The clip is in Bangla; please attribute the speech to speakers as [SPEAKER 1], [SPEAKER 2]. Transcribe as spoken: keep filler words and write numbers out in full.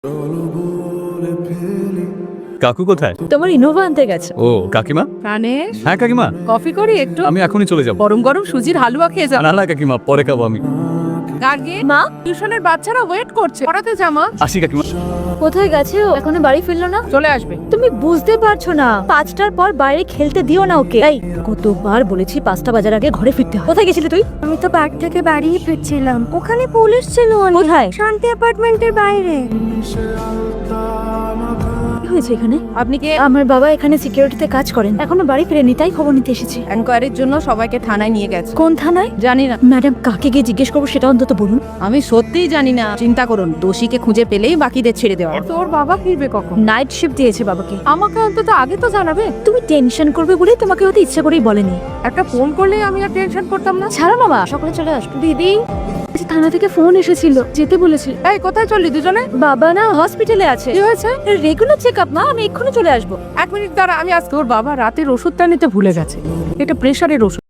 [SPEAKER 1] কাকু কোথায়?
[SPEAKER 2] তোমার ইনোভা আনতে গেছে।
[SPEAKER 1] ও কাকিমা?
[SPEAKER 3] প্রাণেশ,
[SPEAKER 1] হ্যাঁ কাকিমা,
[SPEAKER 3] কফি করি একটু?
[SPEAKER 1] আমি এখনই চলে যাবো।
[SPEAKER 3] গরম গরম সুজির হালুয়া খেয়ে যাও।
[SPEAKER 1] না না কাকিমা, পরে খাবো আমি।
[SPEAKER 3] গার্গিন,
[SPEAKER 2] মা,
[SPEAKER 3] টিউশনের বাচ্চারা ওয়েট করছে, পড়াতে জামা।
[SPEAKER 1] আসি কাকিমা।
[SPEAKER 2] কোথায় গেছে ও? এখনো বাড়ি ফিরলো না?
[SPEAKER 3] চলে আসবে।
[SPEAKER 2] তুমি বুঝতে পারছো না, পাঁচটার পর বাইরে খেলতে দিও না ওকে। এই কতবার বলেছি পাঁচটা বাজার আগে ঘরে ফিরতে হয়। কোথায় গেছিলি তুই?
[SPEAKER 4] আমি তো পার্ক থেকে বাড়ি ফিরছিলাম, ওখানে পুলিশ ছিল।
[SPEAKER 2] কোথায়?
[SPEAKER 4] শান্তি অ্যাপার্টমেন্টের বাইরে।
[SPEAKER 2] কি হয়েছে এখানে?
[SPEAKER 3] আপনি কি
[SPEAKER 2] আমার বাবা এখানে সিকিউরিটিতে কাজ করেন, এখনো বাড়ি ফিরেনি, তাই খবর নিতে এসেছি।
[SPEAKER 3] এনকোয়ারির জন্য সবাইকে থানায় নিয়ে গেছে।
[SPEAKER 2] কোন থানায়?
[SPEAKER 3] জানি না,
[SPEAKER 2] ম্যাডাম, কাকে গিয়ে জিজ্ঞেস করবো সেটা অন্তত বলুন।
[SPEAKER 3] আমি সত্যিই জানি না। চিন্তা করুন, দোষীকে খুঁজে পেলেই বাকিদের ছেড়ে দেওয়া। তোর বাবা ফিরবে কখন?
[SPEAKER 2] নাইট শিফট দিয়েছে বাবাকে।
[SPEAKER 3] আমাকে অন্তত আগে তো জানাবে।
[SPEAKER 2] তুমি টেনশন করবে বলে তোমাকে হয়তো ইচ্ছা করেই বলেনি।
[SPEAKER 3] একটা ফোন করলেই আমি আর টেনশন করতাম না।
[SPEAKER 2] ছাড়ো বাবা, সকালে চলে আসবো। দিদি, থানা থেকে ফোন এসেছিল, যেতে বলেছে।
[SPEAKER 3] এই কোথায় চললি দুজনে?
[SPEAKER 2] বাবা না হসপিটালে আছে,
[SPEAKER 3] কি হয়েছে?
[SPEAKER 2] Regular check up. মা, আমি এক্ষুনি চলে আসবো।
[SPEAKER 3] এক মিনিট দাঁড়া, আমি আজ তোর বাবা রাতের ওষুধটা নিতে ভুলে গেছে। এটা প্রেশারের ওষুধ।